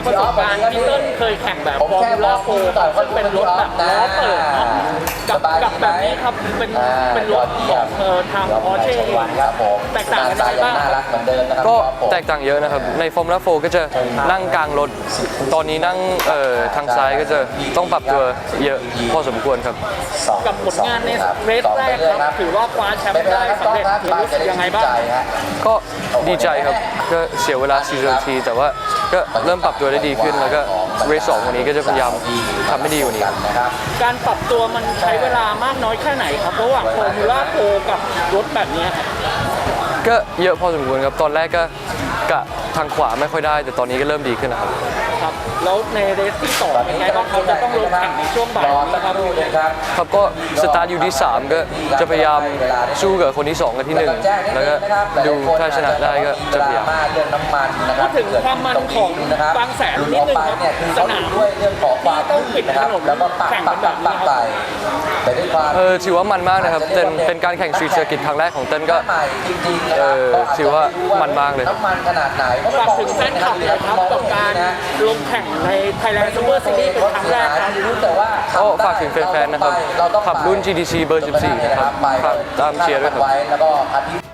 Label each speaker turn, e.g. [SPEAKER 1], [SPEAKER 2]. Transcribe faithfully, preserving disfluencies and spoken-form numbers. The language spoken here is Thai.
[SPEAKER 1] ประสบการณ์พี่เติ้ลเคยแข่งแบบฟอร์มูล่าโฟร์ซึ่งเป็นรถแบบล้อเปิดเนาะกับกับแบบนี้ครับเป็นเป็นรถของเออทางพอร์เช่แตกต่างกันยังไงบ้าง
[SPEAKER 2] ก็แตกต่างเยอะนะครับในฟอร์มูล่าโฟร์ก็จะนั่งกลางรถตอนนี้นั่งเอ่อทางซ้ายก็จะต้องปรับตัวเยอะพอสมควรครับ
[SPEAKER 1] กับผลงานในเรสแรกครับถือว่าคว้าแชมป์ได้สำเร็จรู้สึกยังไงบ้าง
[SPEAKER 2] ก็ดีใจครับก็เสียเวลาสี่นาทีแต่ว่าก็เริ่มปรับตัวได้ดีขึ้นแล้วก็เรสสองวันนี้ก็จะพยายามทำให้ดีกว่านี้
[SPEAKER 1] การปรับตัวมันใช้เวลามากน้อยแค่ไหนครับระหว่างฟอร์มูล่าโฟร์กับรถแบบนี้
[SPEAKER 2] ก็เยอะพอสมควรครับตอนแรกก็กะทางขวาไม่ค่อยได้แต่ตอนนี้ก็เริ่มดีขึ้นนะครับ
[SPEAKER 1] ครับแล้วในเรสที่สองเป็นไงบ้างเขาจะต้องลงแข่งในช่วงบ่ายนี้ครับ
[SPEAKER 2] ครับก็สตาร์ทอยู่ที่สามก็จะพยายามสู้กับคนที่สองกับที่หนึ่งแล้วก็ดูถ้าชนะได้ก็จะพยายาม
[SPEAKER 1] พูดถึงความมันของบางแสนนิดนึงครับสนามที่ต้องปิดถนนแข่งกันแบบนี้ครับ
[SPEAKER 2] เออถือว่ามันมากนะครับเป็นเป็นการแข่งสตรีทเซอร์กิตครั้งแรกของเต้นก็เออถือว่ามันมากเลย
[SPEAKER 1] ฝากถึงแฟนคลับเลยครับกับการลงแข่งใน Thailand Super Series เป็นครั้งแรกครับ
[SPEAKER 2] ก็ฝากถึงแฟนๆนะครับขับรุ่น จี ที ซี เบอร์สิบสี่นะครับฝากตามเชียร์ด้วยครับ